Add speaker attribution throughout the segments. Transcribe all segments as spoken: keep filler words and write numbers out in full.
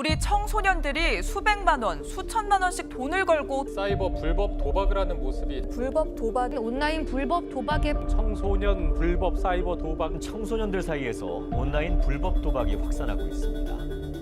Speaker 1: 우리 청소년들이 수백만 원, 수천만 원씩 돈을 걸고
Speaker 2: 사이버 불법 도박을 하는 모습이
Speaker 3: 불법 도박이 온라인 불법 도박의
Speaker 4: 청소년 불법 사이버 도박 청소년들 사이에서 온라인 불법 도박이 확산하고 있습니다.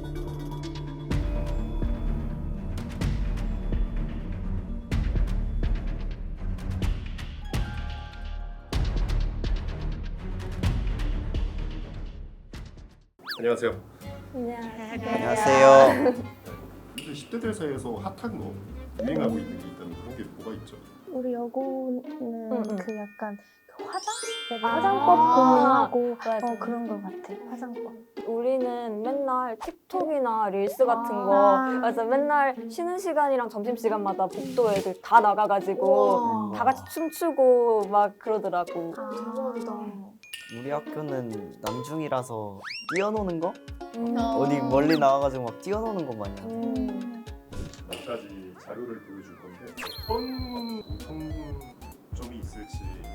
Speaker 5: 안녕하세요.
Speaker 6: 안녕하세요.
Speaker 5: 요즘 십 대들 사이에서 핫한 거, 유행하고 있는 게 있다면 그런 게 뭐가 있죠?
Speaker 7: 우리 여고는
Speaker 3: 응, 응.
Speaker 7: 그 약간 그 화장? 내가
Speaker 3: 아,
Speaker 7: 화장법 고민하고
Speaker 3: 맞아.
Speaker 7: 어, 그런 거 같아. 화장법.
Speaker 8: 우리는 맨날 틱톡이나 릴스 같은
Speaker 7: 아.
Speaker 8: 거 그래서 맨날 쉬는 시간이랑 점심시간마다 복도 애들 다 나가가지고 다 같이 춤추고 막 그러더라고.
Speaker 7: 아, 대박이다.
Speaker 6: 우리 학교는 남중이라서 뛰어노는 거?
Speaker 8: 음.
Speaker 6: 어디 멀리 나와가지고 막 뛰어노는 거 마냥.
Speaker 8: 음.
Speaker 5: 몇 가지 자료를 보여줄 건데 어떤 공통점이 있을지.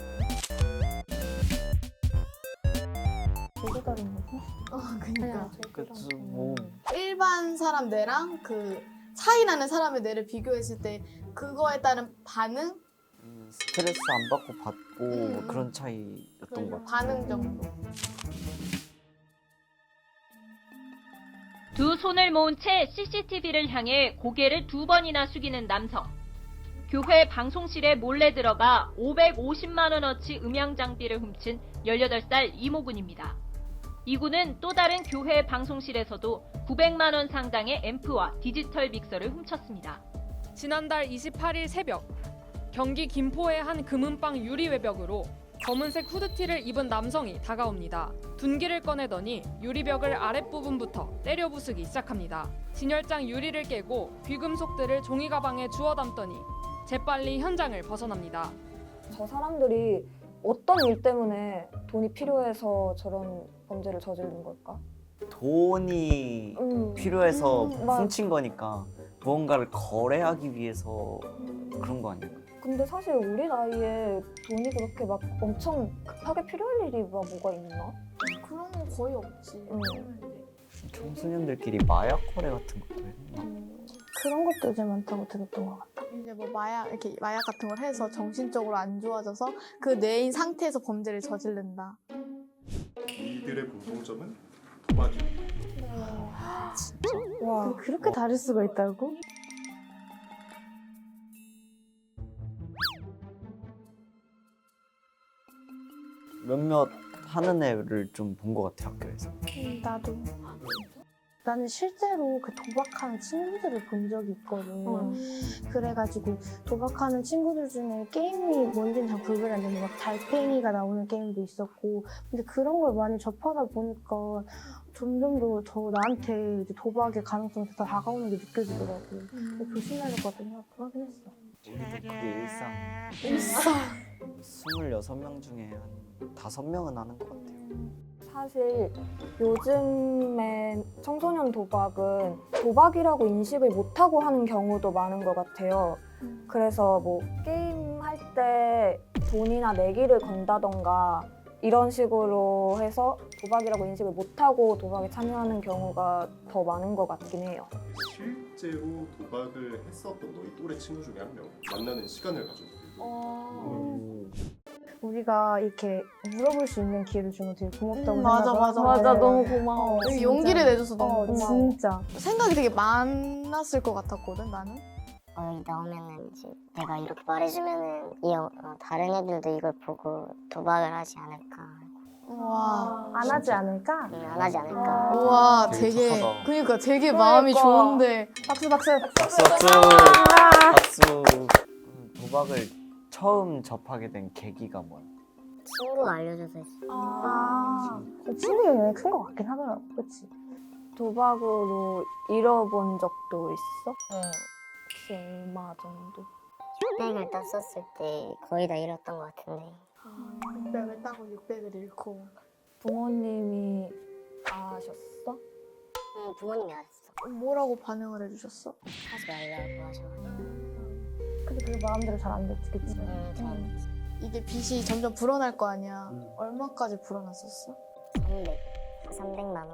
Speaker 7: 되게 다른 거지?
Speaker 9: 어, 그니까
Speaker 6: 그치 뭐
Speaker 9: 일반 사람 뇌랑 그 차이 나는 사람의 뇌를 비교했을 때 그거에 따른 반응?
Speaker 6: 음, 스트레스 안 받고 받고
Speaker 9: 음.
Speaker 6: 뭐 그런 차이였던 것 같아.
Speaker 9: 반응 정도.
Speaker 10: 두 손을 모은 채 씨씨티비를 향해 고개를 두 번이나 숙이는 남성. 교회 방송실에 몰래 들어가 오백오십만 원어치 음향 장비를 훔친 열여덟 살 이모군입니다. 이군은 또 다른 교회 방송실에서도 구백만 원 상당의 앰프와 디지털 믹서를 훔쳤습니다.
Speaker 11: 지난달 이십팔 일 새벽, 경기 김포의 한 금은방 유리 외벽으로 검은색 후드티를 입은 남성이 다가옵니다. 둔기를 꺼내더니 유리벽을 아랫부분부터 때려 부수기 시작합니다. 진열장 유리를 깨고 귀금속들을 종이 가방에 주워 담더니 재빨리 현장을 벗어납니다.
Speaker 8: 저 사람들이 어떤 일 때문에 돈이 필요해서 저런 범죄를 저지른 걸까?
Speaker 6: 돈이
Speaker 8: 음.
Speaker 6: 필요해서
Speaker 8: 음, 맞-
Speaker 6: 훔친 거니까 무언가를 거래하기 위해서 그런 거 아닐까?
Speaker 8: 근데 사실 우리 나이에 돈이 그렇게 막 엄청 급하게 필요할 일이 막 뭐가 있나?
Speaker 9: 그런 건 거의 없지.
Speaker 8: 음.
Speaker 6: 청소년들끼리 마약 거래 같은 것도 했나?
Speaker 8: 음.
Speaker 7: 그런 것도 요즘 많다고 들었던 것 같아.
Speaker 9: 이제 뭐 마약 이렇게 마약 같은 걸 해서 정신적으로 안 좋아져서 그 뇌인 상태에서 범죄를 저지른다.
Speaker 5: 이들의 공통점은 도박이.
Speaker 7: 와, 그렇게 다를 수가 있다고?
Speaker 6: 몇몇 하는 애를 좀 본 것 같아 학교에서.
Speaker 7: 음, 나도. 나는 실제로 그 도박하는 친구들을 본 적이 있거든.
Speaker 8: 음.
Speaker 7: 그래가지고 도박하는 친구들 중에 게임이 뭔지는 잘 구별하는데 막 달팽이가 나오는 게임도 있었고, 근데 그런 걸 많이 접하다 보니까 점점 더 저 나한테 이제 도박의 가능성이 더 다가오는 게 느껴지더라고. 근데 조심해야 될 것 같다는 생각도 하긴 했어.
Speaker 6: 우리도 그게 일상.
Speaker 7: 일상.
Speaker 6: 스물여섯 명 중에 한 다섯 명은 하는 것 같아요.
Speaker 8: 사실 요즘에 청소년 도박은 도박이라고 인식을 못하고 하는 경우도 많은 것 같아요. 그래서 뭐 게임 할 때 돈이나 내기를 건다던가 이런 식으로 해서 도박이라고 인식을 못하고 도박에 참여하는 경우가 더 많은 것 같긴 해요.
Speaker 5: 실제로 도박을 했었던 너희 또래 친구 중에 한 명 만나는 시간을 가져보고.
Speaker 7: 어. 우리가 이렇게 물어볼 수 있는 기회를 주면 되게 고맙다고
Speaker 9: 음, 맞아,
Speaker 7: 생각하고.
Speaker 9: 맞아,
Speaker 8: 맞아, 너무 고마워.
Speaker 9: 되게
Speaker 7: 진짜.
Speaker 9: 용기를 내줘서 너무
Speaker 7: 어,
Speaker 9: 고마워.
Speaker 7: 진짜.
Speaker 9: 생각이 되게 많았을 것 같았거든 나는.
Speaker 12: 어, 여기 나오면은 이제 내가 이렇게 말해주면은 이 어, 다른 애들도 이걸 보고 도박을 하지 않을까.
Speaker 9: 와.
Speaker 7: 안 하지 않을까?
Speaker 12: 응, 안 하지 않을까.
Speaker 9: 우와,
Speaker 6: 되게
Speaker 9: 되게
Speaker 6: 착하다.
Speaker 9: 그러니까 되게 마음이
Speaker 8: 그러니까.
Speaker 9: 좋은데.
Speaker 7: 박수 박수.
Speaker 6: 박수 박수 박수. 음, 도박을 처음 접하게 된 계기가 뭐야?
Speaker 12: 친구가 알려줘서 했어.
Speaker 7: 아, 그 친구 영향이 큰 것 같긴 하더라고, 그치?
Speaker 8: 도박으로 잃어본 적도 있어? 응. 혹시 얼마 정도?
Speaker 12: 육백을 땄었을 때 거의 다 잃었던 것 같은데.
Speaker 9: 육백을 따고 육백을 잃고.
Speaker 8: 부모님이 아셨어?
Speaker 12: 응, 부모님이 알았어.
Speaker 9: 뭐라고 반응을 해주셨어?
Speaker 12: 하지 말라고 하셔가지고.
Speaker 7: 근데 그게 마음대로 잘 안 됐지, 그치?
Speaker 12: 응, 전
Speaker 9: 이게 빚이 점점 불어날 거 아니야.
Speaker 6: 음.
Speaker 9: 얼마까지 불어났었어?
Speaker 12: 삼백, 삼백만 원.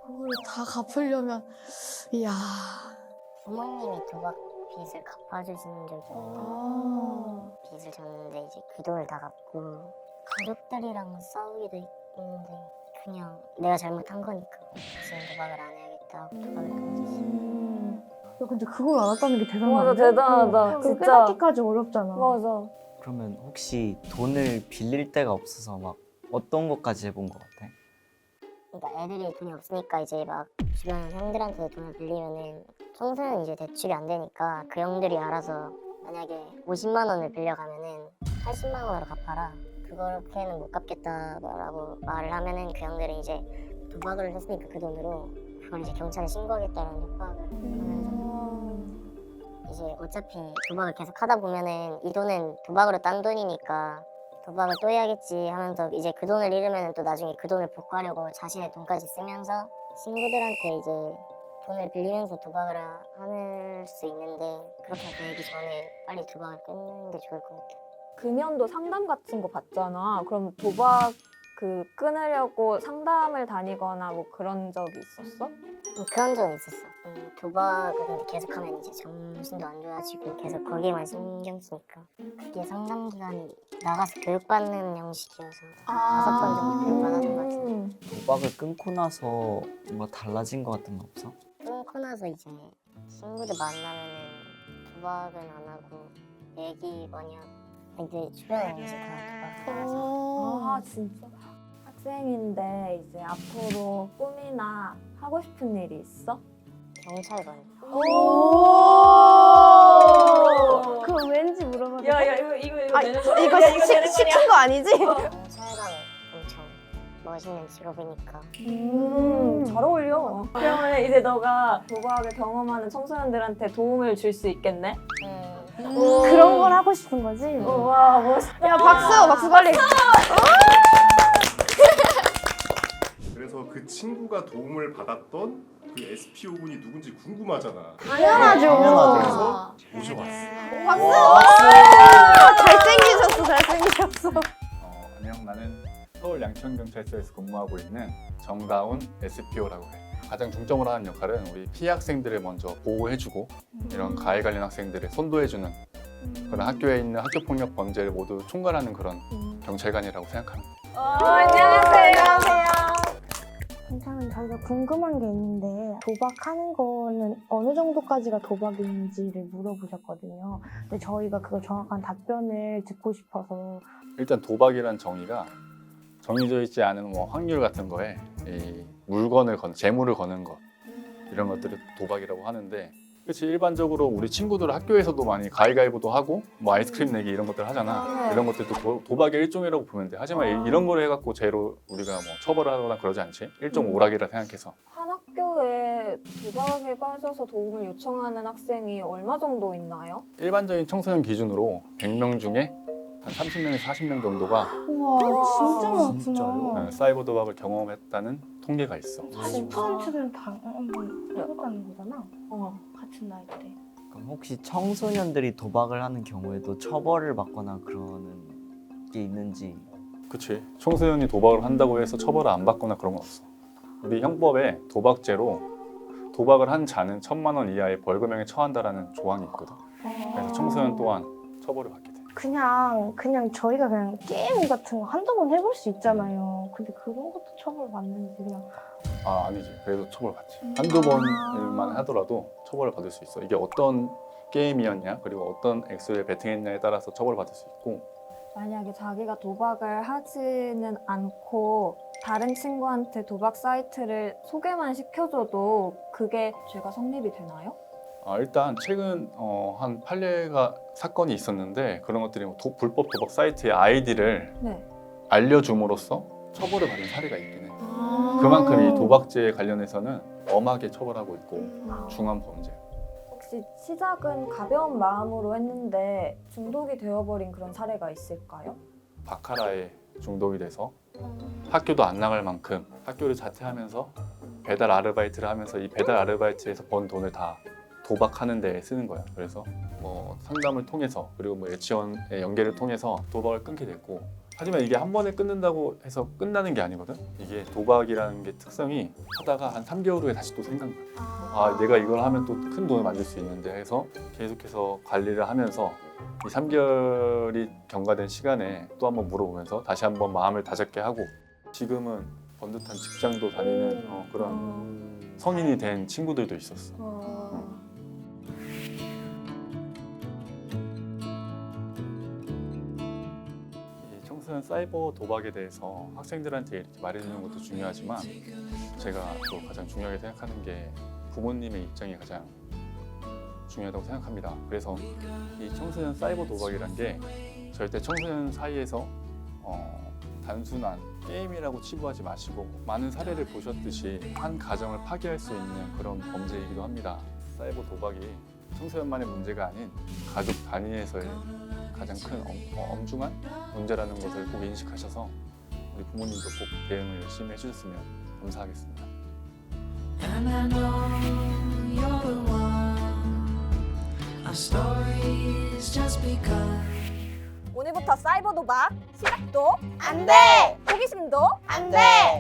Speaker 9: 그걸 다 갚으려면 이야.
Speaker 12: 부모님이 도박 빚을 갚아주시는 적이
Speaker 9: 아.
Speaker 12: 빚을 졌는데 이제 그 돈을 다 갚고 가족들이랑 싸우기도 했는데 그냥 내가 잘못한 거니까 지금 도박을 안 해야겠다 하고 도박을 끊었지.
Speaker 7: 음. 야, 근데 그걸 알았다는 게 대단하다.
Speaker 8: 맞아, 대단하다. 진짜.
Speaker 7: 깨닫기까지 어렵잖아.
Speaker 8: 맞아.
Speaker 6: 그러면 혹시 돈을 빌릴 데가 없어서 막 어떤 것까지 해본 것 같아?
Speaker 12: 그러니까 애들이 돈이 없으니까 이제 막 주변 형들한테 돈을 빌리면은 청소년 이제 대출이 안 되니까 그 형들이 알아서 만약에 오십만 원을 빌려가면은 팔십만 원으로 갚아라. 그렇게는 못 갚겠다라고 말을 하면은 그 형들은 이제 도박을 했으니까 그 돈으로 그걸 이제 경찰에 신고하겠다라는 협박을 하면서 이제 어차피 도박을 계속 하다 보면은 이 돈은 도박으로 딴 돈이니까 도박을 또 해야겠지 하면서 이제 그 돈을 잃으면 또 나중에 그 돈을 복구하려고 자신의 돈까지 쓰면서 친구들한테 이제 돈을 빌리면서 도박을 할 수 있는데 그렇게 되기 전에 빨리 도박을 끊는 게 좋을 것 같아.
Speaker 8: 금연도 상담 같은 거 받잖아. 그럼 도박 그 끊으려고 상담을 다니거나 뭐 그런 적이 있었어?
Speaker 12: 음, 그런 적은 있었어. 음, 도박을 근데 계속하면 이제 정신도 안 좋아지고 계속 거기에만 신경 쓰니까 그게 상담 기간이 나가서 교육받는 형식이어서 다섯 번 정도 교육받았던 것 같은데
Speaker 6: 도박을 끊고 나서 뭔가 달라진 것 같은 거 없어?
Speaker 12: 끊고 나서 이제 친구들 만나면은 도박은 안 하고 얘기 많이 하고 근데 주변에 이제 다 도박을 해서
Speaker 8: 아 진짜? 학생인데 이제 앞으로 꿈이나 하고 싶은 일이 있어?
Speaker 12: 경찰관.
Speaker 7: 오! 그거 왠지 물어봐도 돼?
Speaker 8: 야야 이거 이거 이거
Speaker 7: 아,
Speaker 8: 내는
Speaker 7: 이거
Speaker 8: 거야?
Speaker 7: 이거
Speaker 8: 야, 이거
Speaker 7: 시-
Speaker 8: 내는
Speaker 7: 시킨
Speaker 8: 거냐?
Speaker 7: 거 아니지?
Speaker 12: 경찰관 엄청 멋있는 직업이니까.
Speaker 8: 음, 잘 어울려. 그러면 이제 너가 도박을 경험하는 청소년들한테 도움을 줄 수 있겠네?
Speaker 12: 음.
Speaker 7: 그런 걸 하고 싶은 거지?
Speaker 8: 와 멋있다.
Speaker 7: 야, 박수! 박수 빨리!
Speaker 5: 그래서 그 친구가 도움을 받았던 그 에스피오 분이 누군지 궁금하잖아.
Speaker 7: 당연하죠.
Speaker 5: 그래서 모셔봤어.
Speaker 7: 박수! 잘생기셨어, 잘생기셨어.
Speaker 13: 어, 안녕, 나는 서울 양천경찰서에서 근무하고 있는 정다운 에스피오라고 해. 가장 중점을 하는 역할은 우리 피해 학생들을 먼저 보호해주고 이런 가해 관련 학생들을 선도해주는 그런 학교에 있는 학교폭력 범죄를 모두 총괄하는 그런 경찰관이라고 생각합니다.
Speaker 8: 어, 안녕하세요.
Speaker 7: 괜찮은 저희가 궁금한 게 있는데 도박하는 거는 어느 정도까지가 도박인지를 물어보셨거든요. 근데 저희가 그거 정확한 답변을 듣고 싶어서
Speaker 13: 일단 도박이란 정의가 정해져 있지 않은 뭐 확률 같은 거에 이 물건을 건, 재물을 거는 것 이런 것들을 도박이라고 하는데 그렇지 일반적으로 우리 친구들 학교에서도 많이 가위가위보도 하고 뭐 아이스크림 내기 이런 것들 하잖아. 이런 것들도 도, 도박의 일종이라고 보면 돼. 하지만 이- 이런 걸 해갖고 죄로 우리가 뭐 처벌을 하거나 그러지 않지. 일종 오락이라 생각해서.
Speaker 8: 한 학교에 도박에 빠져서 도움을 요청하는 학생이 얼마 정도 있나요?
Speaker 13: 일반적인 청소년 기준으로 백 명 중에 한 삼십 명에서 사십 명 정도가
Speaker 7: 우와 진짜 많구나.
Speaker 6: 진짜요?
Speaker 13: 어, 사이버 도박을 경험했다는 통계가 있어.
Speaker 7: 사십 퍼센트는 다 한번 해봤다는 거잖아.
Speaker 8: 어.
Speaker 7: 같은 나이들에.
Speaker 6: 그럼 혹시 청소년들이 도박을 하는 경우에도 처벌을 받거나 그러는 게 있는지?
Speaker 13: 그치. 청소년이 도박을 한다고 해서 처벌을 안 받거나 그런 건 없어. 우리 형법에 도박죄로 도박을 한 자는 천만 원 이하의 벌금형에 처한다라는 조항이 있거든. 그래서 청소년 또한 처벌을 받게 돼.
Speaker 7: 그냥 그냥 저희가 그냥 게임 같은 거 한두 번 해볼 수 있잖아요. 근데 그런 것도 처벌 받는지 그냥.
Speaker 13: 아 아니지. 그래도 처벌받지. 한두 번일만 하더라도 처벌을 받을 수 있어. 이게 어떤 게임이었냐 그리고 어떤 액수에 베팅했냐에 따라서 처벌받을 수 있고
Speaker 8: 만약에 자기가 도박을 하지는 않고 다른 친구한테 도박 사이트를 소개만 시켜줘도 그게 죄가 성립이 되나요?
Speaker 13: 아, 일단 최근 어, 한 판례가 사건이 있었는데 그런 것들이 뭐 도, 불법 도박 사이트의 아이디를
Speaker 8: 네.
Speaker 13: 알려줌으로써 처벌을 받은 사례가 있긴 해. 그만큼 이 도박죄에 관련해서는 엄하게 처벌하고 있고 중한 범죄.
Speaker 8: 혹시 시작은 가벼운 마음으로 했는데 중독이 되어버린 그런 사례가 있을까요?
Speaker 13: 바카라에 중독이 돼서 학교도 안 나갈 만큼 학교를 자퇴하면서 배달 아르바이트를 하면서 이 배달 아르바이트에서 번 돈을 다 도박하는 데 쓰는 거야. 그래서 뭐 상담을 통해서 그리고 뭐 유치원의 연계를 통해서 도박을 끊게 됐고 하지만 이게 한 번에 끊는다고 해서 끝나는 게 아니거든. 이게 도박이라는 게 특성이 하다가 한 삼 개월 후에 다시 또 생각나. 아 내가 이걸 하면 또 큰 돈을 만들 수 있는데 해서 계속해서 관리를 하면서 이 삼 개월이 경과된 시간에 또 한번 물어보면서 다시 한번 마음을 다잡게 하고 지금은 번듯한 직장도 다니는 어, 그런 성인이 된 친구들도 있었어. 어. 이 청소년 사이버 도박에 대해서 학생들한테 이렇게 말해주는 것도 중요하지만 제가 또 가장 중요하게 생각하는 게 부모님의 입장이 가장 중요하다고 생각합니다. 그래서 이 청소년 사이버 도박이란 게 절대 청소년 사이에서 어, 단순한 게임이라고 치부하지 마시고 많은 사례를 보셨듯이 한 가정을 파괴할 수 있는 그런 범죄이기도 합니다. 사이버 도박이 청소년만의 문제가 아닌 가족 단위에서의 가장 큰 엄, 어, 엄중한 문제라는 것을 꼭 인식하셔서 우리 부모님도 꼭 대응을 열심히 해주셨으면 감사하겠습니다.
Speaker 14: And I know you're the one. Our story is just begun.
Speaker 8: 오늘부터 사이버 도박 시작도
Speaker 9: 안 돼!
Speaker 8: 호기심도
Speaker 9: 안 돼!